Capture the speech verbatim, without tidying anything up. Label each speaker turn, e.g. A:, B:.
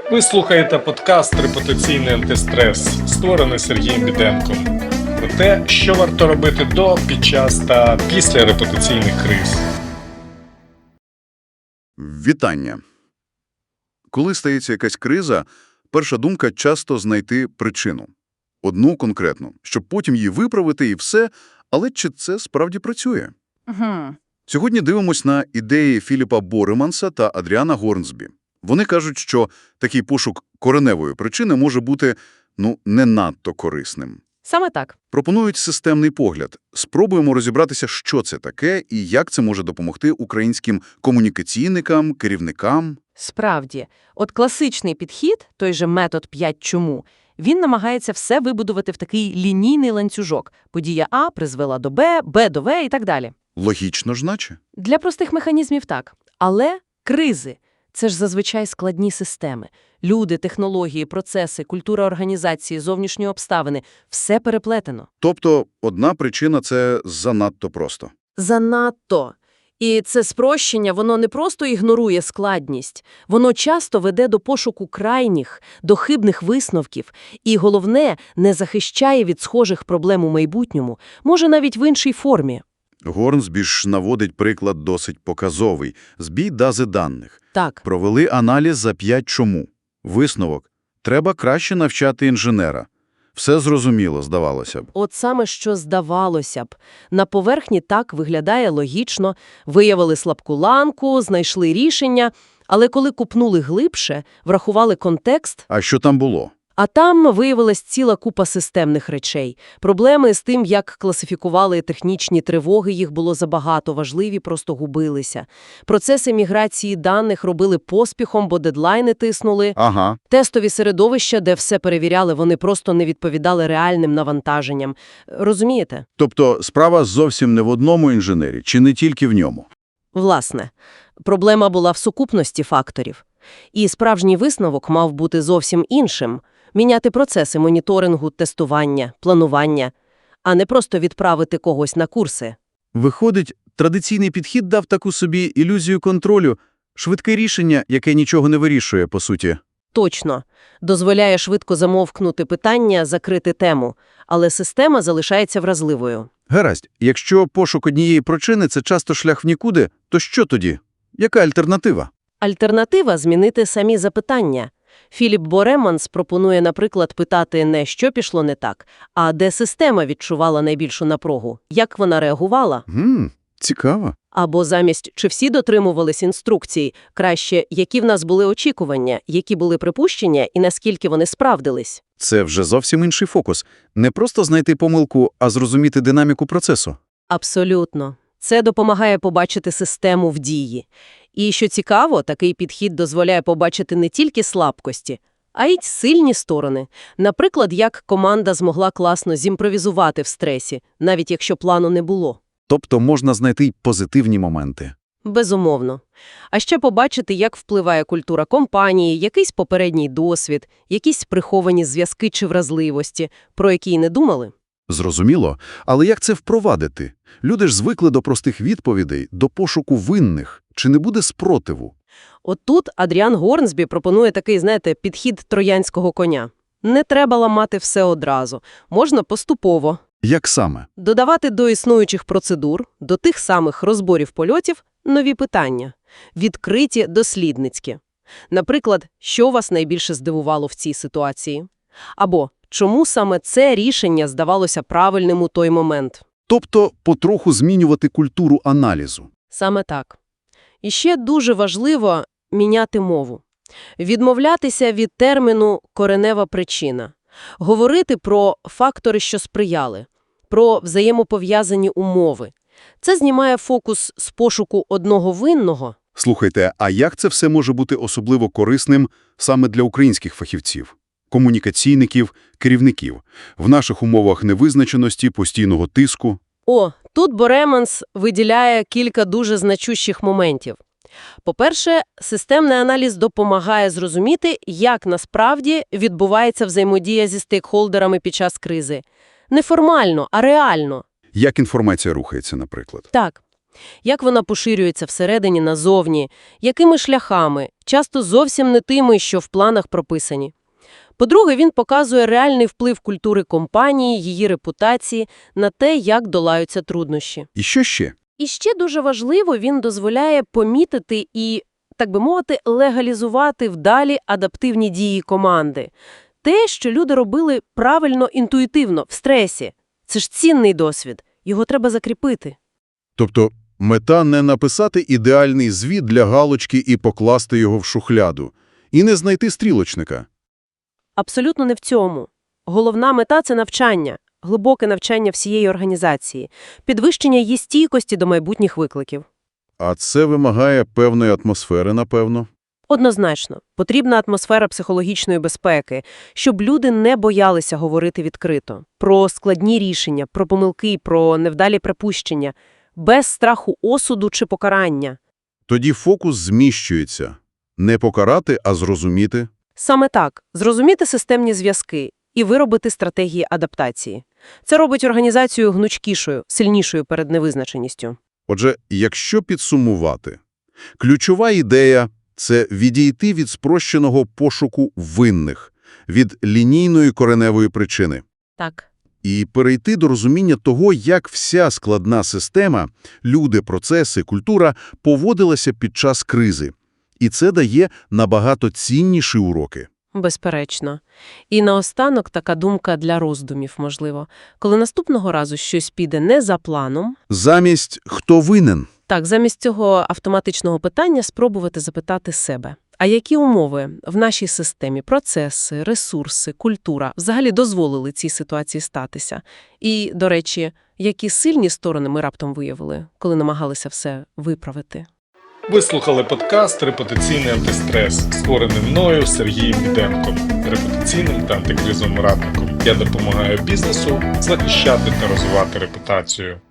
A: Ви слухаєте подкаст «Репутаційний антистрес», створений Сергієм Біденком. Про те, що варто робити до, під час та після репутаційних криз.
B: Вітання. Коли стається якась криза, перша думка – часто знайти причину. Одну конкретну, щоб потім її виправити і все, але чи це справді працює?
C: Угу.
B: Сьогодні дивимось на ідеї Філіпа Бореманса та Адріана Горнсбі. Вони кажуть, що такий пошук кореневої причини може бути, ну, не надто корисним.
C: Саме так.
B: Пропонують системний погляд. Спробуємо розібратися, що це таке і як це може допомогти українським комунікаційникам, керівникам.
C: Справді. От класичний підхід, той же метод п'ять чому, він намагається все вибудувати в такий лінійний ланцюжок. Подія А призвела до Б, Б до В і так далі.
B: Логічно ж наче?
C: Для простих механізмів так. Але кризи – це ж зазвичай складні системи. Люди, технології, процеси, культура організації, зовнішні обставини – все переплетено.
B: Тобто одна причина – це занадто просто.
C: Занадто. І це спрощення, воно не просто ігнорує складність, воно часто веде до пошуку крайніх, до хибних висновків і, головне, не захищає від схожих проблем у майбутньому, може навіть в іншій формі.
B: Горнсбі ж наводить приклад досить показовий – збій бази даних.
C: Так.
B: Провели аналіз за п'ять чому. Висновок – треба краще навчати інженера. Все зрозуміло, здавалося б.
C: От саме що здавалося б. На поверхні так виглядає логічно, виявили слабку ланку, знайшли рішення, але коли купнули глибше, врахували контекст,
B: А що там було?
C: а там виявилась ціла купа системних речей. Проблеми з тим, як класифікували технічні тривоги, їх було забагато, важливі просто губилися. Процеси міграції даних робили поспіхом, бо дедлайни тиснули.
B: Ага.
C: Тестові середовища, де все перевіряли, вони просто не відповідали реальним навантаженням. Розумієте?
B: Тобто справа зовсім не в одному інженері, чи не тільки в ньому?
C: Власне, проблема була в сукупності факторів. І справжній висновок мав бути зовсім іншим – міняти процеси моніторингу, тестування, планування, а не просто відправити когось на курси.
D: Виходить, традиційний підхід дав таку собі ілюзію контролю, швидке рішення, яке нічого не вирішує, по суті.
C: Точно. Дозволяє швидко замовкнути питання, закрити тему, але система залишається вразливою.
D: Гаразд, якщо пошук однієї причини – це часто шлях в нікуди, то що тоді? Яка альтернатива?
C: Альтернатива – змінити самі запитання. Філіп Бореманс пропонує, наприклад, питати не «що пішло не так», а де система відчувала найбільшу напругу, як вона реагувала.
D: Гм, цікаво.
C: Або замість «чи всі дотримувались інструкцій», краще «які в нас були очікування», які були припущення і наскільки вони справдились.
D: Це вже зовсім інший фокус. Не просто знайти помилку, а зрозуміти динаміку процесу.
C: Абсолютно. Це допомагає побачити систему в дії. І, що цікаво, такий підхід дозволяє побачити не тільки слабкості, а й сильні сторони. Наприклад, як команда змогла класно зімпровізувати в стресі, навіть якщо плану не було.
D: Тобто можна знайти й позитивні моменти.
C: Безумовно. А ще побачити, як впливає культура компанії, якийсь попередній досвід, якісь приховані зв'язки чи вразливості, про які й не думали.
D: Зрозуміло. Але як це впровадити? Люди ж звикли до простих відповідей, до пошуку винних. Чи не буде спротиву?
C: От тут Адріан Горнсбі пропонує такий, знаєте, підхід троянського коня. Не треба ламати все одразу. Можна поступово.
D: Як саме?
C: Додавати до існуючих процедур, до тих самих розборів польотів, нові питання. Відкриті, дослідницькі. Наприклад, що вас найбільше здивувало в цій ситуації? Або чому саме це рішення здавалося правильним у той момент?
D: Тобто потроху змінювати культуру аналізу.
C: Саме так. І ще дуже важливо міняти мову. Відмовлятися від терміну «коренева причина». Говорити про фактори, що сприяли, про взаємопов'язані умови. Це знімає фокус з пошуку одного винного.
B: Слухайте, а як це все може бути особливо корисним саме для українських фахівців? Комунікаційників, керівників. В наших умовах невизначеності, постійного тиску.
C: О, тут Бореманс виділяє кілька дуже значущих моментів. По-перше, системний аналіз допомагає зрозуміти, як насправді відбувається взаємодія зі стейкхолдерами під час кризи. Не формально, а реально.
B: Як інформація рухається, наприклад?
C: Так. Як вона поширюється всередині назовні, якими шляхами, часто зовсім не тими, що в планах прописані. По-друге, він показує реальний вплив культури компанії, її репутації на те, як долаються труднощі.
B: І що ще?
C: І ще дуже важливо, він дозволяє помітити і, так би мовити, легалізувати вдалі адаптивні дії команди. Те, що люди робили правильно, інтуїтивно, в стресі. Це ж цінний досвід. Його треба закріпити.
B: Тобто мета не написати ідеальний звіт для галочки і покласти його в шухляду. І не знайти стрілочника.
C: Абсолютно не в цьому. Головна мета – це навчання, глибоке навчання всієї організації, підвищення її стійкості до майбутніх викликів.
B: А це вимагає певної атмосфери, напевно.
C: Однозначно, потрібна атмосфера психологічної безпеки, щоб люди не боялися говорити відкрито про складні рішення, про помилки, про невдалі припущення, без страху осуду чи покарання.
B: Тоді фокус зміщується. Не покарати, а зрозуміти.
C: Саме так, зрозуміти системні зв'язки і виробити стратегії адаптації. Це робить організацію гнучкішою, сильнішою перед невизначеністю.
B: Отже, якщо підсумувати, ключова ідея – це відійти від спрощеного пошуку винних, від лінійної кореневої причини.
C: Так.
B: І перейти до розуміння того, як вся складна система, люди, процеси, культура поводилася під час кризи. І це дає набагато цінніші уроки.
C: Безперечно. І наостанок така думка для роздумів, можливо. Коли наступного разу щось піде не за планом,
B: Замість «хто винен?»
C: так, замість цього автоматичного питання спробувати запитати себе. А які умови в нашій системі, процеси, ресурси, культура взагалі дозволили цій ситуації статися? І, до речі, які сильні сторони ми раптом виявили, коли намагалися все виправити?
A: Ви слухали подкаст «Репутаційний антистрес», створений мною Сергієм Біденком, репутаційним та антикризовим радником. Я допомагаю бізнесу захищати та розвивати репутацію.